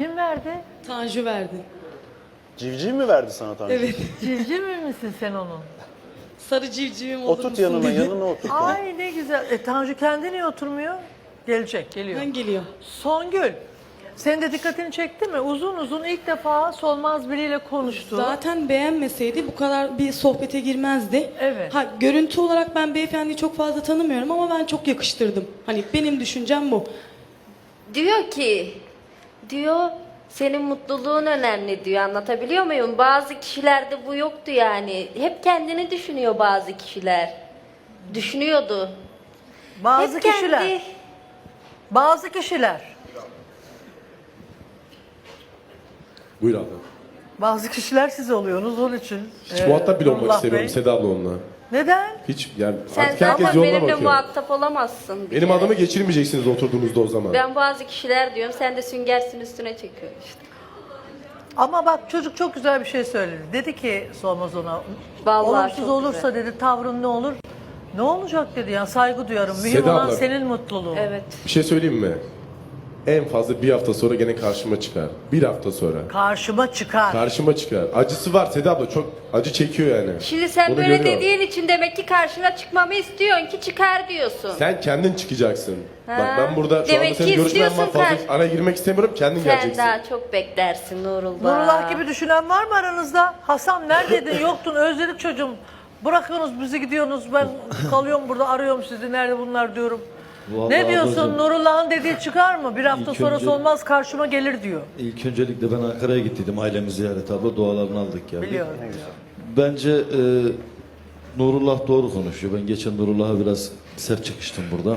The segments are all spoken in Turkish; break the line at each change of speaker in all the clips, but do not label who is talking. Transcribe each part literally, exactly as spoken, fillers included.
Kim verdi?
Tanju verdi.
Civciv mi verdi sana Tanju?
Evet.
Civciv mi misin sen onun?
Sarı civcivim olur
Oturt
musun
yanına,
dedi.
yanına oturt.
Ay ne güzel. E, Tanju kendi niye oturmuyor? Gelecek, geliyor.
Ben geliyor.
Songül, senin de dikkatini çekti mi? Uzun uzun ilk defa Solmaz biriyle konuştu.
Zaten beğenmeseydi bu kadar bir sohbete girmezdi.
Evet.
Ha, görüntü olarak ben beyefendiyi çok fazla tanımıyorum ama ben çok yakıştırdım. Hani benim düşüncem bu.
Diyor ki, diyor senin mutluluğun önemli diyor. Anlatabiliyor muyum? Bazı kişilerde bu yoktu yani. Hep kendini düşünüyor bazı kişiler. Düşünüyordu.
Bazı
Hep
kişiler.
kendi-
Bazı kişiler.
Buyur abla.
Bazı kişiler siz oluyorsunuz onun için.
Hiç
Ee,
muhatap bile olmak
Nurullah
istemiyorum
Bey.
Seda abla onunla.
Neden?
Hiç yani
Sen
artık herkes
zaten
yoluna
benimle
bakıyor.
muhatap olamazsın. bir
Benim
kere.
adımı geçirmeyeceksiniz oturduğunuzda o zaman.
Ben bazı kişiler diyorum, sen de süngersin üstüne çekiyorsun işte.
Ama bak çocuk çok güzel bir şey söyledi. Dedi ki Solmaz ona,
Vallahi
olumsuz
çok
olursa
güzel.
dedi tavrın ne olur? Ne olacak dedi ya, saygı duyarım. Mühim
Seda
olan
abla.
senin mutluluğun.
Evet.
Bir şey söyleyeyim mi? En fazla bir hafta sonra gene karşıma çıkar. Bir hafta sonra.
Karşıma çıkar.
Karşıma çıkar. Acısı var Seda abla, çok acı çekiyor yani.
Şimdi sen
Bunu
böyle
görüyorum.
dediğin için demek ki karşına çıkmamı istiyorsun ki çıkar diyorsun.
Sen kendin çıkacaksın.
Ha.
Bak ben burada şu
Demek
anda senin
ki
görüşmen var,
istiyorsun
fazla
karşı-
araya girmek istemiyorum, kendin
Sen
geleceksin.
daha çok beklersin Nurullah.
Nurullah gibi düşünen var mı aranızda? Hasan neredeydin, yoktun, özledik çocuğum. Bırakıyorsunuz bizi, gidiyorsunuz, ben kalıyorum burada, arıyorum sizi, nerede bunlar diyorum.
Vallahi
Ne diyorsun,
ablacığım,
Nurullah'ın dediği çıkar mı? Bir hafta
İlk
sonra
önce-
Solmaz karşıma gelir diyor.
İlk öncelikle ben Ankara'ya gittiydim ailemi ziyaret abla, dualarını aldık geldik.
Biliyorum.
Bence e, Nurullah doğru konuşuyor. Ben geçen Nurullah'a biraz sert çıkıştım burada.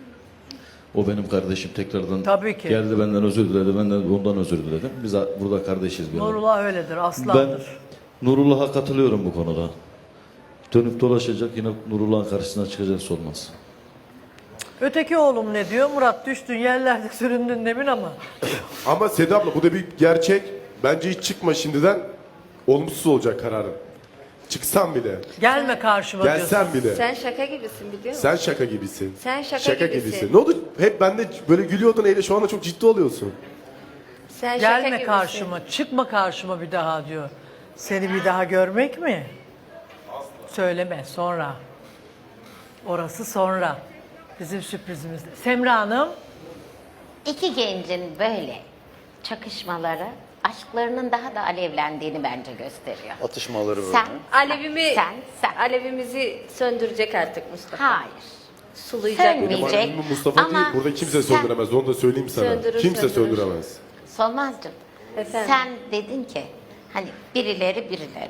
O benim kardeşim, tekrardan
Tabii ki.
geldi benden özür diledi. Ben de ondan özür diledim. Biz a- burada kardeşiz bir arada.
Nurullah öyledir,
Ben
aslandır.
Nurullah'a katılıyorum bu konuda. Dönüp dolaşacak, yine Nurullah'ın karşısına çıkacak olmaz.
Öteki oğlum ne diyor? Murat düştün yerlerde süründün demin ama.
Ama Seda abla bu da bir gerçek. Bence hiç çıkma şimdiden. Olumsuz olacak kararın. Çıksan bile.
Gelme karşıma diyorsun.
Gelsen bile.
Sen şaka gibisin biliyor musun?
Sen şaka gibisin.
Sen şaka gibisin.
Ne oldu? Hep bende böyle gülüyordun, eyle şu anda çok ciddi oluyorsun.
Sen şaka
Gelme
gibisin.
karşıma, çıkma karşıma bir daha diyor. Seni bir daha görmek mi? Söyleme, sonra. Orası sonra. Bizim sürprizimizde. Semra Hanım,
İki gencin böyle çakışmaları aşklarının daha da alevlendiğini bence gösteriyor.
Atışmaları böyle.
Sen,
Alevimi,
sen, sen.
alevimizi söndürecek artık Mustafa.
Hayır.
Sulayacak
Sönmeyecek.
beni.
Diyecek.
Albümü Mustafa
Ama
değil, burada kimse
sen-
söndüremez. Onu da söyleyeyim sana.
Söndürür,
kimse
söndürür.
söndüremez.
Solmazcığım,
Efendim?
sen dedin ki hani birileri birileri,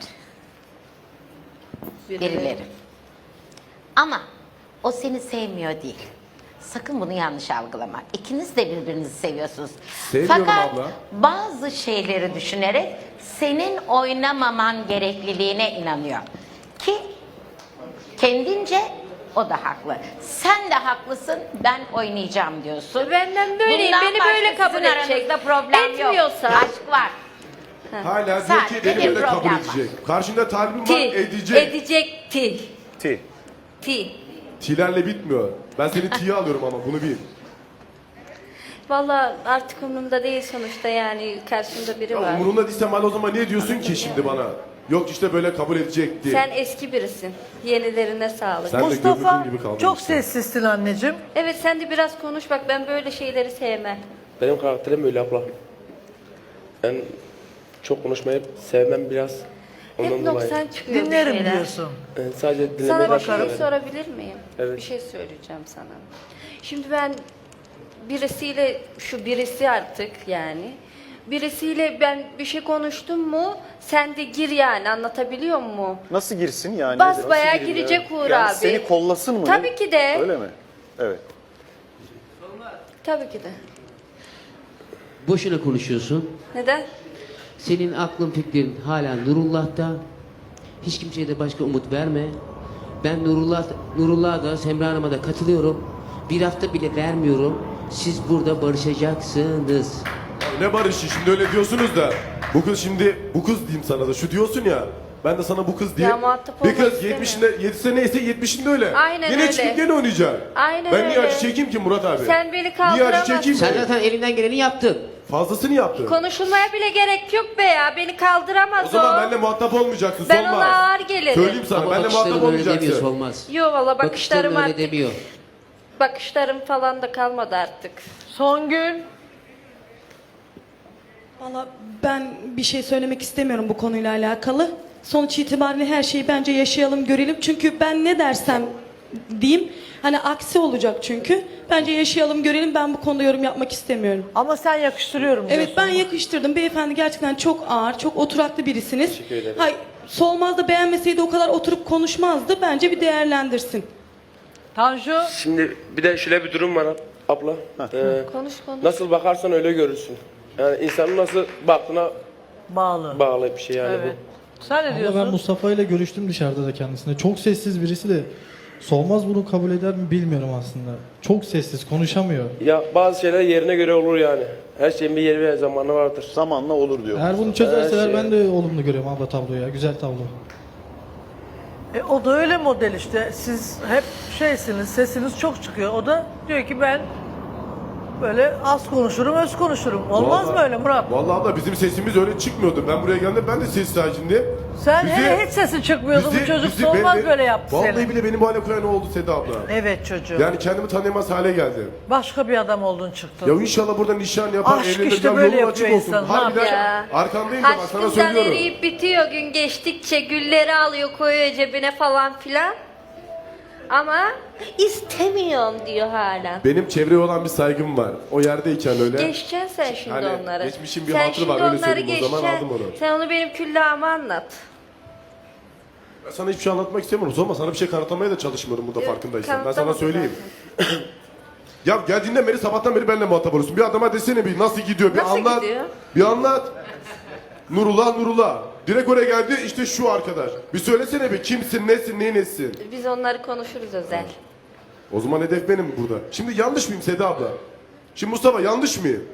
birileri. Ama o seni sevmiyor değil. Sakın bunu yanlış algılama. İkiniz de birbirinizi seviyorsunuz.
Seviyorum
Fakat
abla.
bazı şeyleri düşünerek senin oynamaman gerekliliğine inanıyor. Ki kendince o da haklı. Sen de haklısın, ben oynayacağım diyorsun.
Benden böyleyim,
Bundan
beni
başka
böyle kabul
sizin
edecek.
aranızda problem yok.
Etmiyorsa-
Aşk var.
Hala diyor
Sadece
ki beni
bir
böyle kabul
problem var.
edecek. Karşında talibim var,
Ti.
edecek.
Edecekti.
Ti.
Ti.
Tilerle bitmiyor. Ben seni tiye alıyorum ama bunu bil.
Valla artık umurumda değil sonuçta yani karşımda biri
Ya
var.
umurunda değilsem hala o zaman niye diyorsun ki şimdi bana? Yok işte böyle kabul edecek diye.
Sen eski birisin. Yenilerine sağlık.
Sen- de
Mustafa
gördüğün gibi kaldın
çok
işte.
sessizsin anneciğim.
Evet sen de biraz konuş bak ben böyle şeyleri sevmem.
Benim karakterim öyle abla. Ben çok konuşmayı sevmem biraz. Ondan
Hep
dolayı.
noksan çıkıyor bir
Dinlerim
şeyler.
diyorsun.
Yani sadece
Sana
dinlemeyi
bir şey
başlıyorum.
sorabilir miyim?
Evet.
Bir şey söyleyeceğim sana. Şimdi ben birisiyle, şu birisi artık yani, birisiyle ben bir şey konuştum mu sen de gir yani anlatabiliyor muyum?
Nasıl girsin yani?
Basbayağı
Nasıl gireyim
girecek
ya?
Uğur
yani
abi.
Seni kollasın mı?
Tabii
ne?
ki de.
Öyle mi? Evet.
Tabii ki de.
Boşuna konuşuyorsun.
Neden?
Senin aklın fikrin hala Nurullah'ta. Hiç kimseye de başka umut verme. Ben Nurullah, Nurullah'a da Semra Hanım'a da katılıyorum. Bir hafta bile vermiyorum. Siz burada barışacaksınız.
Ya ne barışı şimdi öyle diyorsunuz da. Bu kız şimdi, bu kız diyeyim sana da şu diyorsun ya. Ben de sana bu kız diyeyim.
muhatap
Bir
olmak
kız
istemiyorum.
yetmişinde, yedisi neyse yetmişinde öyle.
Aynen
Yine
öyle.
çıkıp gene oynayacak.
Aynen
ben niye
öyle.
acı çekeyim ki Murat abi?
Sen beni
Niye acı
kaldıramazsın.
çekeyim
Sen
ki?
zaten elinden geleni yaptın.
Fazlasını yaptı.
Konuşulmaya bile gerek yok be ya. Beni kaldıramaz
O
o.
zaman benimle muhatap olmayacaksın.
Ben
Solmaz.
ona ağır gelirim.
Söyleyeyim sana
Ama
benimle muhatap
bakışların öyle demiyor,
olmayacaksın.
olmaz.
Yo valla bakışlarım
Bakışların öyle
artık.
demiyor.
Bakışlarım falan da kalmadı artık.
Songül.
Valla ben bir şey söylemek istemiyorum bu konuyla alakalı. Sonuç itibariyle her şeyi bence yaşayalım, görelim. Çünkü ben ne dersem diyeyim, hani aksi olacak çünkü. Bence yaşayalım, görelim. Ben bu konuda yorum yapmak istemiyorum.
Ama sen yakıştırıyorum
Evet,
diyorsun.
ben yakıştırdım. Beyefendi gerçekten çok ağır, çok oturaklı birisiniz.
Teşekkür ederim.
Hay, Solmaz da beğenmeseydi o kadar oturup konuşmazdı. Bence bir değerlendirsin.
Tanju.
Şimdi bir de şöyle bir durum var abla. Ee,
Konuş konuş.
nasıl bakarsan öyle görürsün. Yani insanın nasıl baktığına
Bağlı.
bağlı bir şey yani
Evet. Sen ne
Ama
diyorsun?
ben Mustafa ile görüştüm dışarıda da kendisine. Çok sessiz birisi de Solmaz bunu kabul eder mi bilmiyorum aslında. Çok sessiz, konuşamıyor.
bu. Ya bazı şeyler yerine göre olur yani. Her şeyin bir yeri ve zamanı vardır.
Zamanla olur diyor.
Eğer bunu çözerseler
Her şey-
ben de olumlu görüyorum abla tabloyu ya. Güzel tablo.
E, o da öyle model işte. Siz hep şeysiniz, sesiniz çok çıkıyor. O da diyor ki ben böyle az konuşurum, öz konuşurum. Olmaz
Vallahi-
mı öyle Murat?
Vallahi abla bizim sesimiz öyle çıkmıyordu. Ben buraya geldim ben de ses sakindim.
Sen
Bizi-
hele hiç sesin çıkmıyordu. bu çocuk
bizi-
olmaz
beni-
böyle yaptı
Vallahi
seni.
bile benim bu hale koyan oldu Seda abla.
Evet çocuğum.
Yani kendimi tanıyamaz hale geldim.
Başka bir adam oldun çıktın.
Ya inşallah burada nişan yapar,
Aşk
evlenir,
işte
ya
böyle
yolun açık
yapıyor
olsun.
insan, ne
Harbiden
Ya.
arkandayım da bak sana
Aşkından
söylüyorum.
eriyip bitiyor gün geçtikçe. Gülleri alıyor koyuyor cebine falan filan. Ama istemiyorum diyor hala.
Benim çevreye olan bir saygım var. O yerdeyken öyle.
Geçeceksin sen şimdi
Hani
onları.
geçmişin bir
sen
hatırı
şimdi
var, öyle
onları
söyleyeyim o zaman,
geçeceksin.
aldım onu.
Sen onu benim küllahıma anlat.
Ben sana hiçbir şey anlatmak istemiyorum. Sorma sana bir şey kanıtlamaya da çalışmıyorum burada
Yok,
farkındaysan. Ben sana
kanıtlamadın
söyleyeyim. Ya geldiğinden beri sabahtan beri benimle muhatap oluyorsun. Bir adama desene bir nasıl gidiyor bir
Nasıl
anlat.
gidiyor?
Bir anlat. Nurullah Nurullah. Direkt oraya geldi işte şu arkadaş. Bir söylesene bir kimsin nesin neyin nesin.
Biz onları konuşuruz özel.
O zaman hedef benim burada. Şimdi yanlış mıyım Seda abla? Şimdi Mustafa yanlış mıyım?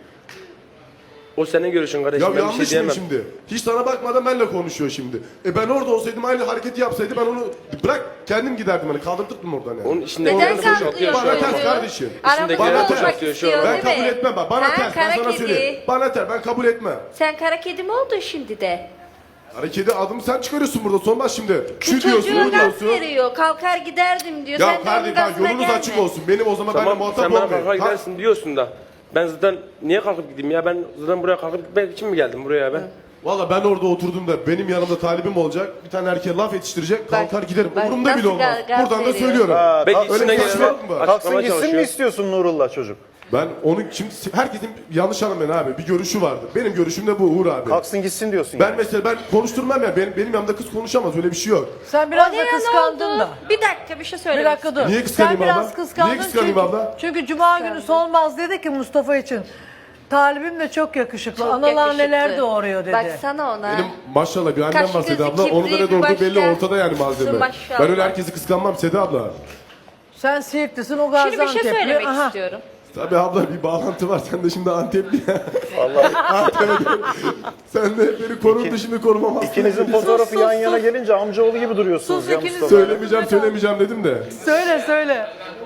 O senin görüşün kardeşim.
Ya
ben bir
yanlış
şey
mıyım
diyemem.
şimdi? Hiç sana bakmadan benimle konuşuyor şimdi. E ben orada olsaydım aynı hareketi yapsaydı ben onu bırak kendim giderdim hani kaldırtırdım oradan yani.
Onun içinde
Neden
olanı
kalkıyor
boşaltıyor.
Bana
çocuğu?
ters kardeşim.
Aramızda
Bana ters.
olmak
Atıyor şu
istiyor
an.
Ben
değil
kabul
mi?
etmem bak. Bana
Ha,
ters. Ben
kara
sana
kedi.
söyleyeyim. Bana ters. Ben kabul etmem.
Sen kara kedi mi oldun şimdi de?
Hareketi adımı sen çıkarıyorsun burada. Sormaz şimdi. Şu
Bu
diyorsun,
çocuğa
bu
gaz
diyorsun.
veriyor. Kalkar giderdim diyor.
Ya
sen de onun
kardeşim bak
gazına
yolunuz
gelme.
açık olsun. Benim o zaman benimle
Tamam
muhatap
sen bana
olmayın.
kalkar
Ha,
gidersin diyorsun da. Ben zaten niye kalkıp gideyim ya? Ben zaten buraya kalkıp gitmek için mi geldim buraya ben?
Valla ben orada oturduğumda benim yanımda talibim olacak. Bir tane erkeğe laf yetiştirecek. Kalkar giderim.
bak
Umurumda
nasıl
bile olmaz.
gaz- gaz
Buradan da
veriyor.
söylüyorum.
Ha,
Belki
kalk-
Öyle
içine
konuşmak
gelene
mı var?
Kalksın
açıklamaya
gitsin mi
çalışıyor.
istiyorsun Nurullah çocuk?
Ben onu şimdi herkesin yanlış anlamayın abi. Bir görüşü vardı. Benim görüşüm de bu Uğur abi.
Kalksın gitsin diyorsun
Ben
yani.
mesela ben konuşturmam ya. Benim, benim yanımda kız konuşamaz. Öyle bir şey yok.
Sen biraz
O
da
ne ya, ne
kıskandın
oldu?
da.
Bir dakika bir şey
Bir
söylemek
dakika dur.
Niye kıskanayım
Sen biraz
abla?
kıskandın
Niye kıskanayım
çünkü,
abla?
çünkü Cuma günü Solmaz dedi ki Mustafa için. Talibim de çok yakışıklı.
Çok
Analar
yakışıklı.
neler doğuruyor dedi.
Baksana ona.
Benim maşallah bir annem
Kaş
var Seda
gözü
abla. Onun da
kibriği
ne
bir
doğurduğu belli
başka.
ortada yani malzeme.
Maşallah.
Ben öyle herkesi kıskanmam Seda abla.
Sen Siirtlisin o
Şimdi bir
Gaziantep'li.
şey söylemek
Aha.
istiyorum.
Tabii abla bir bağlantı var. Sen de şimdi Antepli ya. Vallahi. Antep'e Sen de beni korudun şimdi korumamazsın.
İkinizin fotoğrafı yan yana gelince amcaoğlu gibi duruyorsunuz
Sus,
ya
ikiniz-
Mustafa.
Söylemeyeceğim söylemeyeceğim dedim de.
Söyle söyle.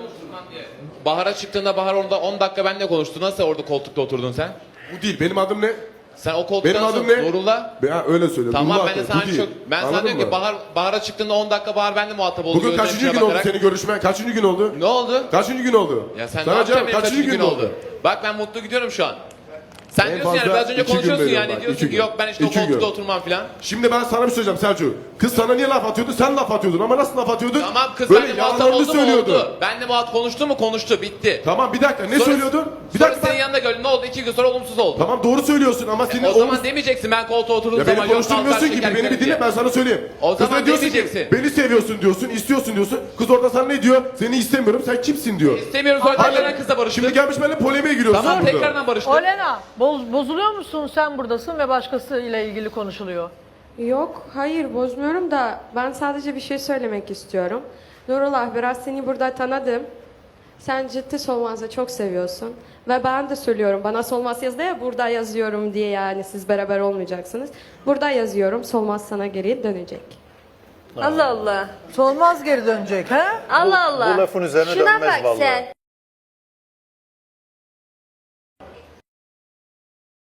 Bahar'a çıktığında Bahar orada on dakika benimle konuştu. Nasıl orada koltukta oturdun sen?
Bu değil. Benim adım ne?
Sen o koltukta
Benim
nasıl
adım ne?
Nurullah?
Ben öyle söyle.
Tamam
Nurullah
ben de
de,
sana
bu değil.
çok... Ben sana
Anladın
diyorum ki
mı?
Bahar, Bahar'a çıktığında on dakika Bahar benimle muhatap oldu.
Bugün
gözlerinin
kaçıncı
içine
gün oldu
bakarak.
senin görüşmen? Kaçıncı gün oldu?
Ne oldu?
Kaçıncı gün oldu?
Ya sen
Sana
ne yapacaksın
cevap,
benim kaçıncı gün oldu? Bak ben mutlu gidiyorum şu an. Sen
En
diyorsun yani
fazla
biraz önce
iki gün
konuşuyorsun
veriyorum
yani
bak,
diyorsun
iki
ki
gün.
yok ben işte o
İki
koltukta
gün.
oturmam falan.
Şimdi ben sana bir şey söyleyeceğim Selçuk. Kız sana niye laf atıyordu? Sen laf atıyordun ama nasıl laf atıyordun?
Tamam kız
Böyle
benimle muhatap
yalanlarını
oldu mu
söylüyordu.
oldu. Benimle muhatap konuştu mu konuştu bitti.
Tamam bir dakika ne
Sonra-
söylüyordun? Bir
Sonra
dakika
senin
ben...
yanında gördüm ne oldu iki gün sonra olumsuz oldu.
Tamam doğru söylüyorsun ama senin
O
omuz-
zaman demeyeceksin ben koltuğa oturduğum
Ya
zaman
beni
yok
konuşturmuyorsun
kalkar
gibi
şeker
beni bir
giderim
dinle ben sana söyleyeyim.
O
Kıza
zaman
diyorsun ki
demeyeceksin.
beni seviyorsun diyorsun, istiyorsun diyorsun. Kız orada sana ne diyor? Seni istemiyorum, sen kimsin diyor.
İstemiyorum sonra
Hala-
tekrardan kızla barıştık.
Şimdi gelmiş benimle polemiğe giriyorsun
Tamam
burada.
tekrardan barıştık.
Olena boz, bozuluyor musun? Sen buradasın ve başkasıyla ilgili konuşuluyor.
Yok, hayır bozmuyorum da ben sadece bir şey söylemek istiyorum. Nurullah biraz seni burada tanıdım. Sen ciddi Solmaz'ı çok seviyorsun. Ve ben de söylüyorum bana Solmaz yazdı ya burada yazıyorum diye yani siz beraber olmayacaksınız. Burada yazıyorum Solmaz sana geri dönecek.
Allah Allah.
Solmaz geri dönecek ha?
Allah Allah.
bu lafın üzerine
Şuna
dönmez
bak
vallahi.
sen.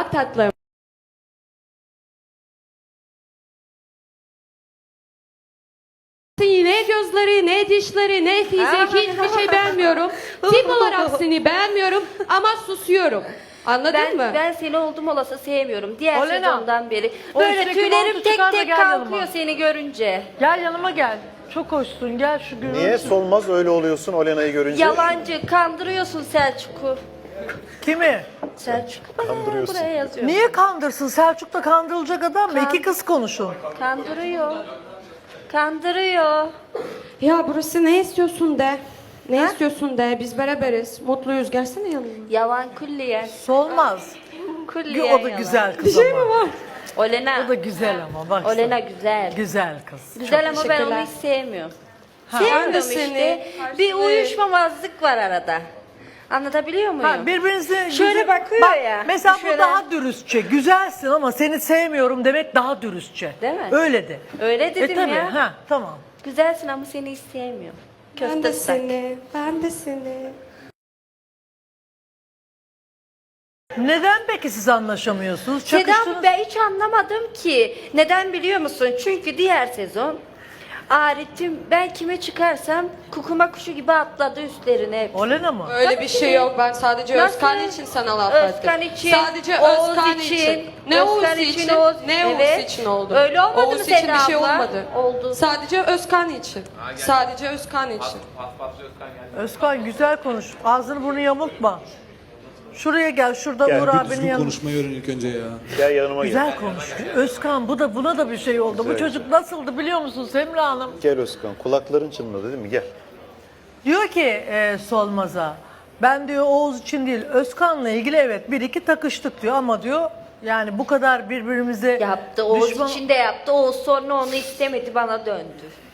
tatlım. Ne gözleri, ne dişleri, ne fizik hiçbir şey beğenmiyorum. Tip olarak seni beğenmiyorum ama susuyorum. Anladın
Ben,
mı?
ben seni oldum olası sevmiyorum. Diğer
Olena,
sezondan beri.
o
Böyle
içindeki
tüylerim
montu
tek
çıkar da
tek
gel
kalkıyor
yanıma.
seni görünce.
Gel yanıma gel. Çok hoşsun gel şu gün.
Niye Solmaz öyle oluyorsun Olena'yı görünce?
Yalancı, kandırıyorsun Selçuk'u.
Kimi?
Selçuk'u bana
Kandırıyorsun.
buraya yazıyor.
Niye kandırsın? Selçuk da kandırılacak adam mı?
Kan-
İki kız konuşun.
Kandırıyor. Kandırıyor.
Ya burası ne istiyorsun de. Ne istiyorsun de. Biz beraberiz. Mutluyuz. Gelsene yanıma.
Yalan külliyen.
Solmaz.
Külliyen
O da
yalan.
güzel kız ama.
var?
Olena.
O da güzel ama bak.
Olena güzel.
Güzel kız.
Güzel ama ben onu
teşekkürler.
hiç sevmiyorum.
ben de
Sevmiyorum işte.
seni.
Bir uyuşmamazlık var arada. Anlatabiliyor muyum?
Ha, birbirinizi
Şöyle
güzel-
bakıyor
Bak,
ya,
Mesela
şöyle.
bu daha dürüstçe. Güzelsin ama seni sevmiyorum demek daha dürüstçe.
Değil mi?
Öyle de.
Öyle dedim
e, tabii,
ya.
Ha, tamam.
Güzelsin ama seni hiç sevmiyorum.
Ben de
Köfte sak.
seni. Ben de seni.
Neden peki siz anlaşamıyorsunuz?
Seda
Çakıştınız.
ben hiç anlamadım ki. Neden biliyor musun? Çünkü diğer sezon Arif'im ben kime çıkarsam kukuma kuşu gibi atladı üstlerine hep.
Olena mı?
Öyle
Tabii
bir
ki
şey
de.
yok. Ben sadece
Nasıl?
Özkan için sana laf
Özkan
ettim.
için,
Sadece
Oğuz
Özkan
için,
için. Ne Oğuz
Özkan
için?
için, Oğuz-
Ne Oğuz
Evet.
için oldu?
Öyle olmadı
Oğuz
mı
için
Seda
bir şey
abla?
olmadı.
Oldu.
Sadece Özkan için. Sadece Özkan için.
Özkan güzel konuş. Ağzını burnunu yamultma. Şuraya gel. Şurada
Gel,
Uğur
bir
abinin yanına.
Konuşmayı öğren ilk önce ya.
Gel yanıma gel.
Güzel konuş. Özkan bu da buna da bir şey oldu. Bu
Güzel.
çocuk nasıldı biliyor musun Semra Hanım?
Gel Özkan. Kulakların çınladı değil mi? Gel.
Diyor ki e, Solmaz'a ben diyor Oğuz için değil Özkan'la ilgili evet bir iki takıştık diyor ama diyor yani bu kadar birbirimize
Yaptı. Oğuz
düşman...
için de yaptı. Oğuz sonra onu istemedi bana döndü.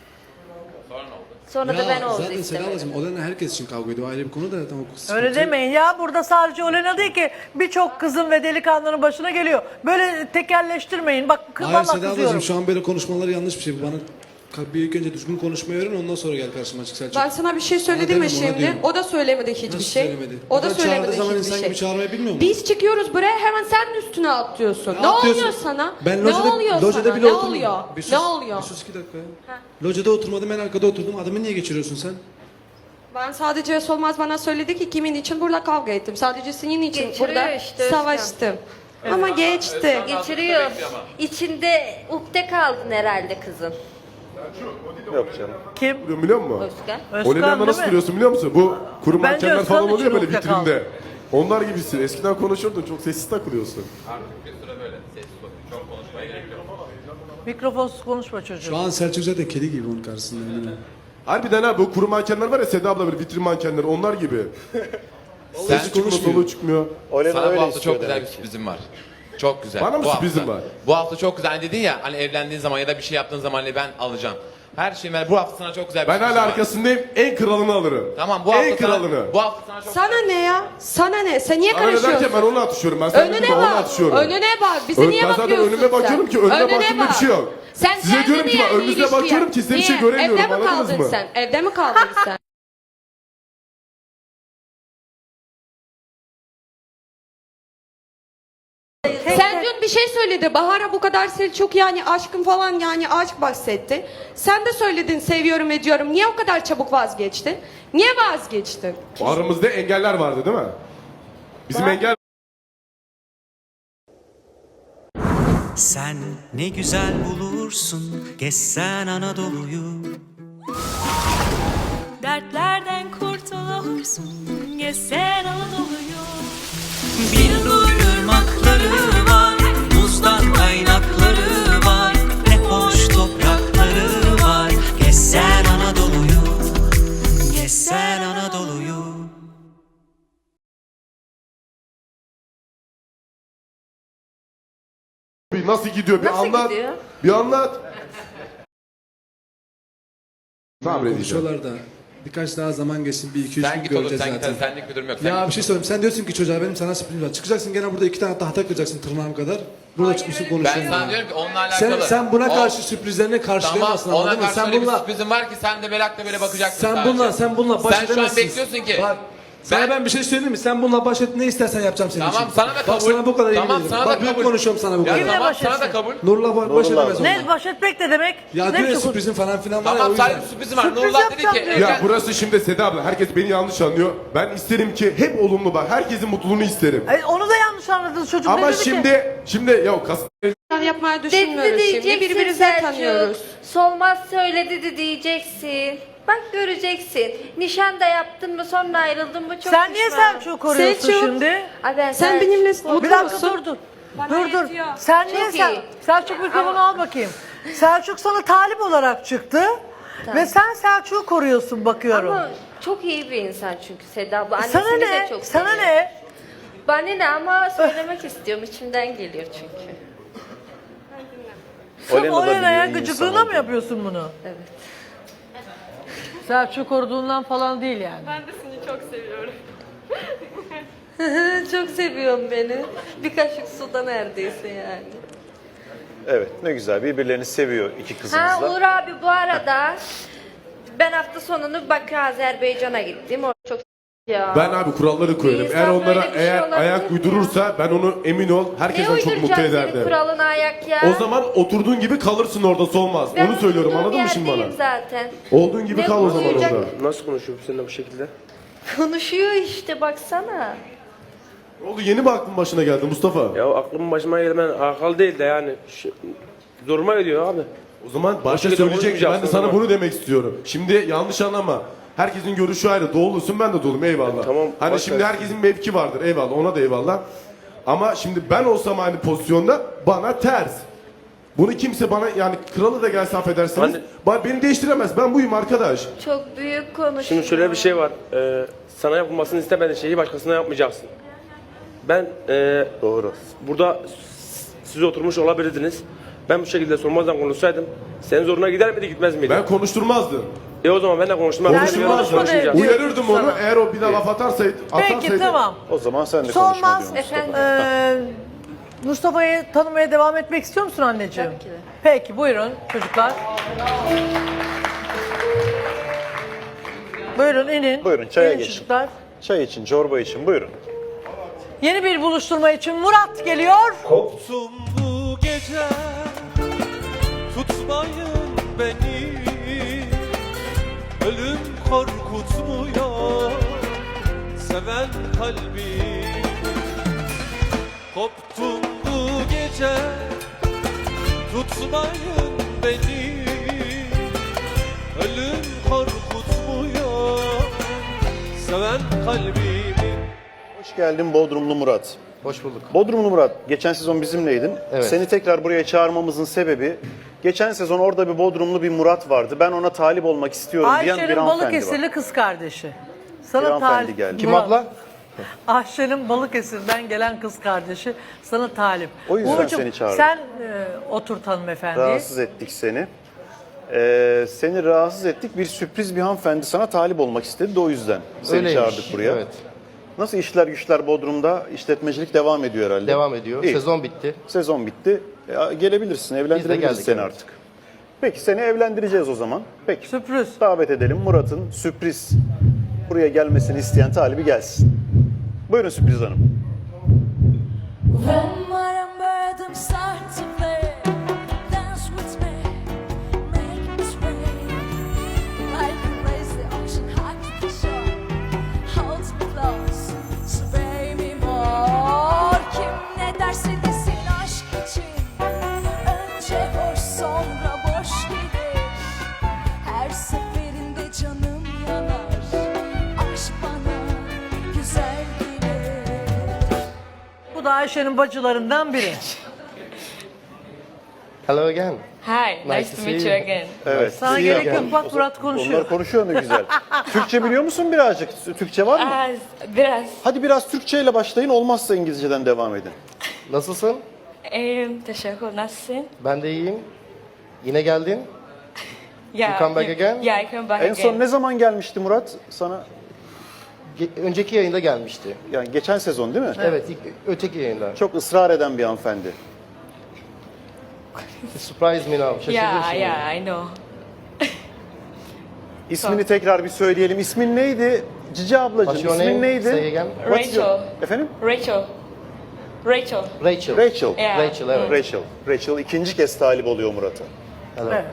Sonra da ben Oğuz'u
zaten Seda
istemedim.
ablacığım Olena herkes için kavga ediyor. Ayrı bir konu da tamam.
Öyle demeyin ya burada sadece Olena değil ki birçok kızın ve delikanlının başına geliyor. Böyle tekelleştirmeyin bak
Hayır
valla
Seda ablacığım
kızıyorum.
şu an böyle konuşmalar yanlış bir şey. Bu bana bir ilk önce düzgün konuşmayı öğren ondan sonra gel karşıma çık Selçuk.
Ben sana bir şey söyledim
Ona
mi
dedim, ona
şimdi?
diyorum.
O da söylemedi hiçbir
Nasıl
şey.
söylemedi?
O da
Buradan
söylemedi
çağırdığı zaman
hiçbir
insan
şey.
gibi çağırmayı bilmiyor mu?
Biz çıkıyoruz buraya hemen sen üstüne atlıyorsun. Ne,
Atıyorsun.
oluyor sana?
Ben
ne
lojada,
oluyor
lojada
sana?
bile
Ne
oturmadım.
oluyor?
Bir sus,
Ne oluyor?
Bir sus iki dakika ya. Lojada oturmadım en arkada oturdum. Adamı niye geçiriyorsun sen?
Ben sadece Solmaz bana söyledi ki kimin için burada kavga ettim. Sadece senin için
Geçiriyor
burada
işte Özkan.
savaştım. Ama geçti.
Geçiriyor. İçinde ukde kaldın herhalde kızın.
Yok canım.
Kim?
Biliyor, biliyor musun?
Özkan.
Özkan
Olena'yla
değil
nasıl
mi?
duruyorsun biliyor musun? Bu kuru
Bence
mankenler
Özkan
falan oluyor
için
böyle
ukde kaldı.
vitrinde. Onlar gibisin. Eskiden konuşurdun çok sessiz takılıyorsun.
Mikrofonsuz konuşma çocuğum.
Şu an Selçuk zaten kedi gibi onun karşısında eminim.
Harbiden ha bu kuru mankenler var ya Seda abla böyle vitrin mankenler onlar gibi.
Sen
Sesi çıkmıyor, soluğu çıkmıyor.
Olena
Sana bu
öyle
hafta
istiyor
çok güzel bir
demek ki.
sürprizim var. Çok güzel.
Bana mı
Bu
sürprizin
hafta.
var?
Bu hafta çok güzel. Hani dedin ya hani evlendiğin zaman ya da bir şey yaptığın zaman hani ben alacağım. Her şeyi ben bu hafta sana çok güzel bir
Ben
sürprizim
hala
var.
arkasındayım. En kralını alırım.
Tamam bu hafta
En
sana,
kralını.
bu hafta sana çok
Sana ne ya? Sana ne? Sen niye
Bana ne derken
karışıyorsun?
ben onu atışıyorum. Ben sen
Önüne
dedim ben onu
bak.
atışıyorum.
Önüne bak. Bize
Ön-
niye
ben zaten
bakıyorsun
önüme bakıyorum
sen?
ki önüme
Önüne
baktığımda bir
bak.
şey yok.
Sen
Size
kendini
diyorum ki ben
yani
önünüze
ilişkiye-
bakıyorum ki size bir şey
Niye?
göremiyorum,
Evde mi
anladınız
kaldın
mı?
sen? Evde mi kaldın sen? Sen dün bir şey söyledi. Bahar'a bu kadar Selçuk yani aşkım falan yani aşk bahsetti. Sen de söyledin seviyorum ediyorum. Niye o kadar çabuk vazgeçtin? Niye vazgeçtin?
Aramızda engeller vardı değil mi? Bizim engel
Sen ne güzel bulursun gezsen Anadolu'yu.
Dertlerden kurtulursun gezsen Anadolu'yu.
Bir nur ırmakları var, buzdan kaynakları var. Ne hoş toprakları var, gezsen Anadolu'yu. Gezsen Anadolu'yu.
bir nasıl gidiyor bir
Nasıl
anlat.
gidiyor?
Bir anlat. Sabredeceğim.
Konuşuyorlar da birkaç daha zaman geçsin bir iki üç
Sen
gün
git oğlum
göreceğiz
sen git
zaten.
hadi senlik bir durum yok. Sen
Ya
git.
bir şey söyleyeyim. Sen diyorsun ki çocuğa benim sana sürprizim var. Çıkacaksın gene burada iki tane tahta kıracaksın tırnağım kadar. Burada çıkmışsın
Ben
konuşuyorsun.
sana diyorum ki onunla alakalı.
Sen, sen buna
O-
karşı sürprizlerini karşılayamazsın
Tamam ona
anladın mı?
karşı
Sen
öyle bir
bununla
sürprizim var ki sen de merakla böyle bakacaksın
sen
sadece.
bununla sen bununla baş
Sen şu an
edemezsin.
bekliyorsun ki.
Bak Sana
Ben-
ben bir şey söyleyeyim mi? Sen bununla baş et, ne istersen yapacağım senin
Tamam
için.
sana da kabul.
Bak sana bu kadar
Tamam
yemin ederim.
sana da
Bak büyük
kabul.
konuşuyorum sana bu
Ya
kadar.
Kimle
tamam
baş
sana da
etsin?
kabul.
Nurullah var, baş
Nurullah.
edemez onunla.
Ne baş etmek ne demek?
Ya
ne
diyor ya
biçim-
sürprizin falan filan var ya o
Tamam
yüzden.
sadece sürprizim var.
Sürpriz
Nurullah dedi
yapacağım
ki
diyor.
Ya burası şimdi Seda abla, herkes beni yanlış anlıyor. Ben isterim ki hep olumlu bak. Herkesin mutluluğunu isterim.
Ay, onu da yanlış anladınız çocuk.
Ama
ne dedi ki?
şimdi şimdi ya kas
Yapmayı
Dedi
düşünmüyoruz şimdi.
diyeceksin
Birbirimizi
Selçuk.
tanıyoruz.
Solmaz söyledi de diyeceksin. Bak göreceksin. Nişan da yaptın mı sonra ayrıldın mı çok
Sen niye
pişman.
Selçuk'u koruyorsun
Selçuk.
şimdi?
Ay ben
Sen
Selçuk-
benimle
Bir
mutlu
dakika
musun?
dur dur.
Bana
Dur dur.
yetiyor.
Sen niye
Çok
sen?
iyi.
Selçuk mikrofonu al bakayım. Selçuk sana talip olarak çıktı. Ve sen Selçuk'u koruyorsun bakıyorum.
Ama çok iyi bir insan çünkü Seda abla.
sana
Annesini
ne?
de çok
Sana
seviyor.
ne?
Bana ne ama söylemek istiyorum. İçimden geliyor çünkü.
Sen
Olena da
Olena'ya
biliyor, iyi
gıcıklığına
insan
mı
oldu.
yapıyorsun bunu?
Evet.
Selçuk'u koruduğundan falan değil yani.
Ben de seni çok seviyorum.
Çok seviyorum beni. Bir kaşık suda neredeyse yani.
Evet, ne güzel. Birbirlerini seviyor iki
Ha
kızımız
Uğur
da.
abi bu arada ben hafta sonunu Bakü Azerbaycan'a gittim. O çok ya.
ben abi kuralları koyarım.
Bir
Eğer
insan
onlara
böyle bir şey
eğer
olabilir
ayak
mi
uydurursa ben onu emin ol
ne
herkesten çok mutlu
uyduracağım senin
ederdim.
kuralına ayak ya?
O zaman oturduğun gibi kalırsın orada, solmaz.
Ben
Onu söylüyorum,
oturduğum
anladın mı şimdi bana?
yerdeyim zaten.
Olduğun gibi
Ne
kal o zaman
uyuyacak?
orada.
Nasıl konuşuyor seninle bu şekilde?
Konuşuyor işte baksana.
Ne oldu, yeni mi aklın başına geldi Mustafa?
Ya aklım başıma gelmen akıl değil de yani. Şu, zoruma gidiyor abi.
O zaman başta
şekilde
söyleyecek, ben de
konuşmayacaksın
sana
o zaman.
bunu demek istiyorum. Şimdi yanlış anlama. Herkesin görüşü ayrı. Doğulusun, ben de doğulum, eyvallah.
Tamam,
Hani
boş
şimdi
ver.
herkesin mevki vardır, eyvallah, ona da eyvallah. Ama şimdi ben olsam aynı pozisyonda bana ters. Bunu kimse bana, yani kralı da gelse affedersiniz,
Hani-
ba- beni değiştiremez. Ben buyum arkadaş.
Çok büyük konuşuyor.
Şimdi şöyle bir şey var. Ee, sana yapılmasını istemediğin şeyi başkasına yapmayacaksın. Ben ee,
Doğru.
burada s- siz oturmuş olabilirdiniz. Ben bu şekilde sormazdan konuşsaydım senin zoruna gider miydi gitmez miydi?
Ben konuşturmazdım.
E o zaman ben de konuştum.
Yani
Konuşturmazdım.
konuşma de-
Uyarırdım onu.
Sana.
Eğer o bir daha laf atarsa,
Peki
atarsaydı.
tamam.
O zaman sen de konuşma
Solmaz.
diyor Mustafa.
Efendim?
Ee, Mustafa'yı tanımaya devam etmek istiyor musun anneciğim?
Tabii ki de.
Peki buyurun çocuklar. Buyurun inin.
Buyurun, çaya
İnin
geçin.
çocuklar.
Çay için, çorba için buyurun.
Yeni bir buluşturma için Murat geliyor.
Koptum bu gece, tutmayın beni. Ölüm korkutmuyor seven kalbimi. Koptum bu gece, tutmayın beni. Ölüm korkutmuyor seven kalbimi.
Hoş geldin Bodrumlu Murat.
Hoş bulduk.
Bodrumlu Murat, geçen sezon bizimleydin.
Evet.
Seni tekrar buraya çağırmamızın sebebi, geçen sezon orada bir Bodrumlu bir Murat vardı. Ben ona talip olmak istiyorum diyen bir
Ayşe'nin
hanımefendi var.
Balıkesirli kız kardeşi.
Bir
Sana
hanımefendi
talip.
geldi.
Kim
Murat.
abla?
Ayşe'nin Balıkesir'den gelen kız kardeşi sana talip.
O yüzden
Uğurcuğum,
seni çağırdım.
sen e, oturt hanımefendiyi.
Rahatsız ettik seni. Ee, seni rahatsız ettik. Bir sürpriz bir hanımefendi sana talip olmak istedi de o yüzden seni
Öyleymiş,
çağırdık buraya.
evet.
Nasıl işler güçler Bodrum'da? İşletmecilik devam ediyor herhalde.
Devam ediyor.
İyi.
Sezon bitti.
Sezon bitti. E, gelebilirsin, evlendirebiliriz
geldik,
seni
evet.
artık. Peki seni evlendireceğiz o zaman. Peki.
Sürpriz.
Davet edelim Murat'ın sürpriz buraya gelmesini isteyen talibi gelsin. Buyurun Sürpriz Hanım.
When my rhythm start to play, dance with me, make me sway. Like a crazy ocean high to the shore, hold me close, sway me more. Kim ne derse desin aşk için, önce boş sonra boş gelir. Her seferinde canım yanar, aşk bana güzel gelir.
Bu da Ayşe'nin bacılarından biri.
Hello again.
Hi,
Nice to meet you
again.
Evet.
Sana
iyi
gerek
yaptın.
yok, bak Murat konuşuyor.
Onlar konuşuyor ne güzel. Türkçe biliyor musun birazcık? Türkçe var mı?
Biraz.
Hadi biraz Türkçe ile başlayın, olmazsa İngilizceden devam edin.
Nasılsın?
İyiyim, teşekkür. Nasılsın?
Ben de iyiyim. Yine geldin.
Yeah,
You come back again?
Yeah, I come back
En son ne zaman gelmişti Murat sana?
Ge- önceki yayında gelmişti.
Yani geçen sezon değil mi?
Evet, ilk, öteki yayında.
Çok ısrar eden bir hanımefendi.
Surprise me now. Şaşırdın
Yeah,
şimdi.
yeah, I know.
İsmini tekrar bir söyleyelim. İsmin neydi? Cici ablacığım
What's your
ismin
name?
neydi?
Say again.
What's your-
Rachel.
Efendim?
Rachel. Rachel.
Rachel.
Rachel.
Yeah.
Rachel, evet.
Rachel. Rachel ikinci kez talip oluyor Murat'a.
Hello.
Evet.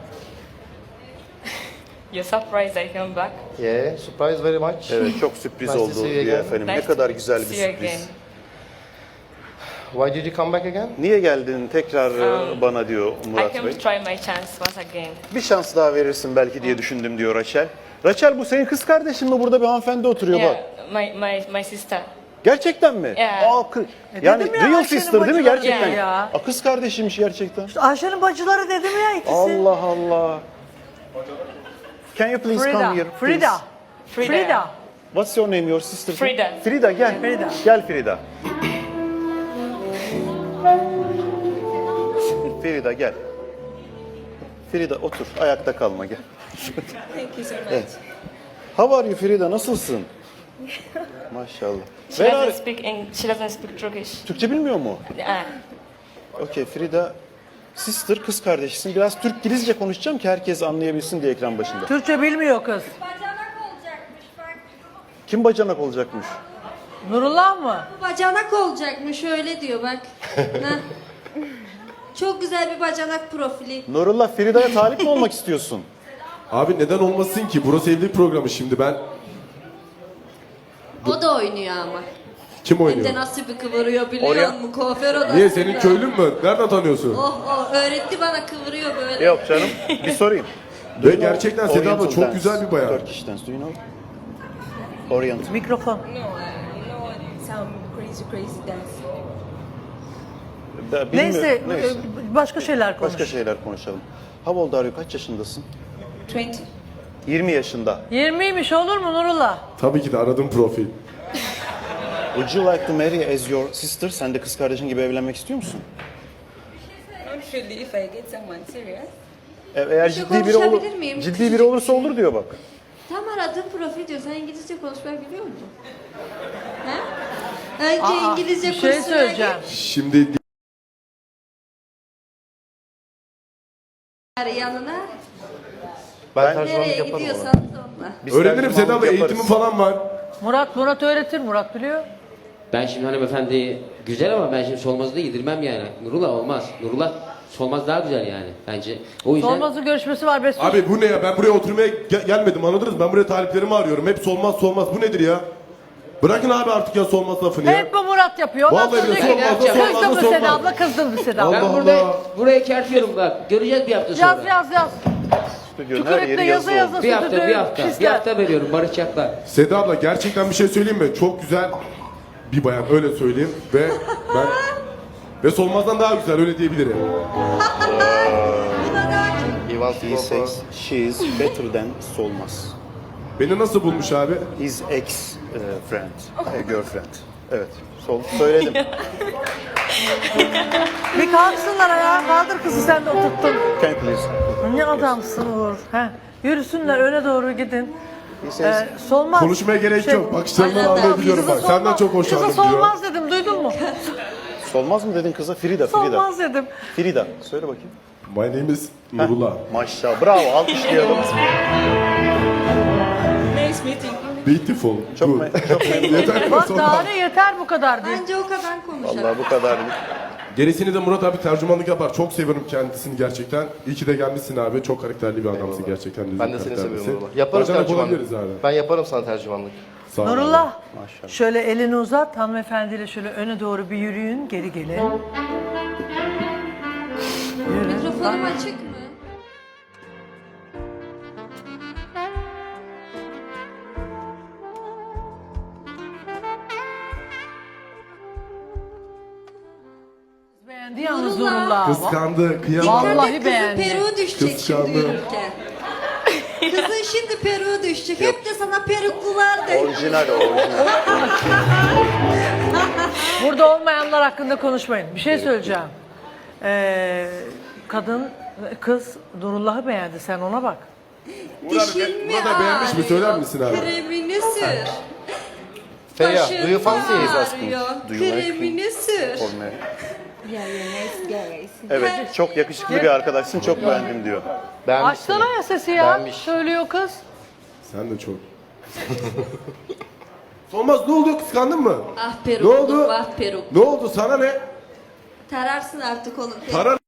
You're surprised I came back.
Yeah, surprise very much.
Evet, çok sürpriz
Nice to
oldu
see you
diyor
again.
efendim.
Nice
Ne kadar
to
güzel bir
see you
sürpriz.
again.
Why did you come back again?
Niye geldin tekrar e,
Um,
bana diyor
I
Murat
came
Bey.
to try my chance once again.
Bir şans daha verirsin belki diye düşündüm diyor Rachel. Rachel bu senin kız kardeşin mi? Burada bir hanımefendi oturuyor bak.
Yeah, my, my, my sister.
Gerçekten mi?
Yeah.
Aa, kı- yani
dedim ya,
real
Ayşe'nin
sister değil mi
bacıları
gerçekten?
ya.
Aa, kız kardeşiymiş gerçekten.
Ayşe'nin bacıları dedim ya ikisi.
Allah Allah. Can you please
Frida.
come here? please?
Frida.
Frida.
Frida.
What's your name, your sister?
Frida.
Frida gel.
Frida.
Gel Frida. Frida gel. Frida otur. Ayakta kalma gel.
Thank you so much.
Evet. How are you Frida? Nasılsın? Maşallah.
She
Where
doesn't
are...
speak Eng- she doesn't speak Turkish.
Türkçe bilmiyor mu?
Yeah.
Okey Frida. Sister, kız kardeşisin. Biraz Türk-Gilizce konuşacağım ki herkes anlayabilsin diye ekran başında.
Türkçe bilmiyor kız.
Kim bacanak olacakmış?
Nurullah mı?
Bacanak olacakmış öyle diyor bak. Heh. Çok güzel bir bacanak profili.
Nurullah, Frida'ya talip mi olmak istiyorsun?
Abi neden olmasın ki? Burası evlilik programı şimdi ben.
O da oynuyor ama.
Kim
Hem
oynuyor?
de nasıl bir kıvırıyor biliyor
Oraya-
musun? Kuaför odasında.
Niye senin köylün mü? Nereden tanıyorsun?
Oh oh öğretti bana kıvırıyor böyle.
Yok canım. Bir sorayım.
Ve gerçekten Seda abla
Oriental
çok
dance,
güzel bir bayan.
Turkish dance, do you know? Oriental.
Mikrofon.
Some crazy crazy dance.
Ben bilmiyorum.
Neyse,
Neyse.
e, başka şeyler konuş.
Başka şeyler konuşalım. How old are you? Kaç yaşındasın?
Twenty.
yirmi yaşında.
yirmiymiş olur mu Nurullah?
Tabii ki de aradım profil.
Would you like to marry as your sister? Sen de kız kardeşin gibi evlenmek istiyor musun?
Not really if I get someone serious.
E- Eğer
şey
ciddi biri olur,
konuşabilir miyim?
ciddi
Küçücük
biri
bir
olursa
şey.
olur diyor bak.
Tam aradığım profil diyor. Sen İngilizce konuşmayı biliyor musun? He? Önce
Aa,
İngilizce
bir şey
kursuna
söyleyeceğim.
Şimdi
git yanına.
Ben,
Ben-
tercümanlık
Nereye
yaparım
gidiyorsan
ona.
onunla.
Biz
öğrenirim Seda
tercümanlık
abla,
yaparız.
eğitimim falan var.
Murat, Murat öğretir. Murat biliyor.
Ben şimdi hanımefendi güzel ama ben şimdi Solmaz'ı da yedirmem yani. Nurullah olmaz. Nurullah Solmaz daha güzel yani bence. O yüzden
Solmaz'ın görüşmesi var. Beş
Abi bu ne ya? Ben buraya oturmaya ge- gelmedim, anladınız mı? Ben buraya taliplerimi arıyorum. Hep solmaz solmaz. Bu nedir ya? Bırakın abi artık ya solmaz lafını ya.
Hep bu Murat yapıyor. Ondan
Vallahi
sonra
de
diyor ki,
solmaz da solmaz da
kızdın mı
solmaz.
Seda abla, kızdın mı Seda abla?
Allah
ben burada
Allah.
buraya kertiyorum bak. Göreceğiz bir hafta sonra.
Yaz yaz yaz.
Stüdyonun her
Tükürükle
yeri
yazı
yazı
yazı
oldu.
Bir hafta,
stüdyoyu
bir hafta. Bir
pisler.
hafta veriyorum barışacaklar.
Seda abla gerçekten bir şey söyleyeyim mi? Çok güzel bir bayan, öyle söyleyeyim. Ve ben ve solmazdan daha güzel, öyle diyebilirim.
He wants to
He
go for...
says she is better than Solmaz.
Beni nasıl bulmuş abi?
His ex e, friend, e, girlfriend. Evet, sol söyledim.
Bir kalksınlar ayağa. Kaldır kızı, sen de oturttun.
Can you please?
Ne adamsın Uğur. He. Yürüsünler öne doğru gidin.
He says,
Ee, solmaz.
Konuşmaya gerek
Şey-
yok. Bakışlarından
Aynen.
anlayabiliyorum
Kızı
bak. Senden
solmaz-
çok hoşlandım
Kızı
diyor.
solmaz dedim, duydun mu?
Solmaz mı dedin kıza? Frida, Frida.
Solmaz dedim.
Frida, söyle bakayım.
My name is Nurullah.
Maşallah, bravo, alkışlayalım.
Nice meeting.
Beautiful.
Çok,
Good.
me- çok memnun.
Yeter mi
Bak
sonra?
daha ne, yeter bu kadar değil.
Bence o kadar konuşalım.
Vallahi bu kadar.
Gerisini de Murat abi tercümanlık yapar. Çok seviyorum kendisini gerçekten. İyi ki de gelmişsin abi. Çok karakterli bir adamsın gerçekten.
Ben de seni
karakterlisin.
seviyorum Nurullah. Yaparız
Bacanak
tercümanlık.
olabiliriz abi.
Ben yaparım sana tercümanlık.
Sağ ol abi.
Nurullah,
Maşallah.
şöyle elini uzat, hanımefendiyle şöyle öne doğru bir yürüyün, geri gelin. Yürü.
Mikrofonum açık mı?
Beğendi yalnız
Nurullah.
Nurullah.
Kıskandı, kıyamam.
Vallahi
Kızın
beğendi.
peruğu düşecek
Kıskandı.
şimdi yürürken. Kızın şimdi peruğu düşecek. Hep de sana peruklular de.
Orijinal, orijinal.
Burada olmayanlar hakkında konuşmayın. Bir şey söyleyeceğim. Ee, kadın, kız Nurullah'ı beğendi. Sen ona bak.
Dişin mi
Murat abi beğenmiş mi?
ağrıyor?
Söyler misin abi?
Kremini sür.
Feya,
Başın
do you fancy
mı
it?
ağrıyor?
Do you like
Kremini sür.
For me. Evet, çok yakışıklı bir arkadaşsın, çok beğendim diyor.
Beğenmiş
Açsana
seni.
ya sesi ya.
Beğenmiş.
Söylüyor kız.
Sen de çok. Solmaz ne oldu? Kıskandın mı?
Ah
Ne
peruk,
oldu?
vah peruk.
Ne oldu? Sana ne?
Tararsın artık onu.
Tarar.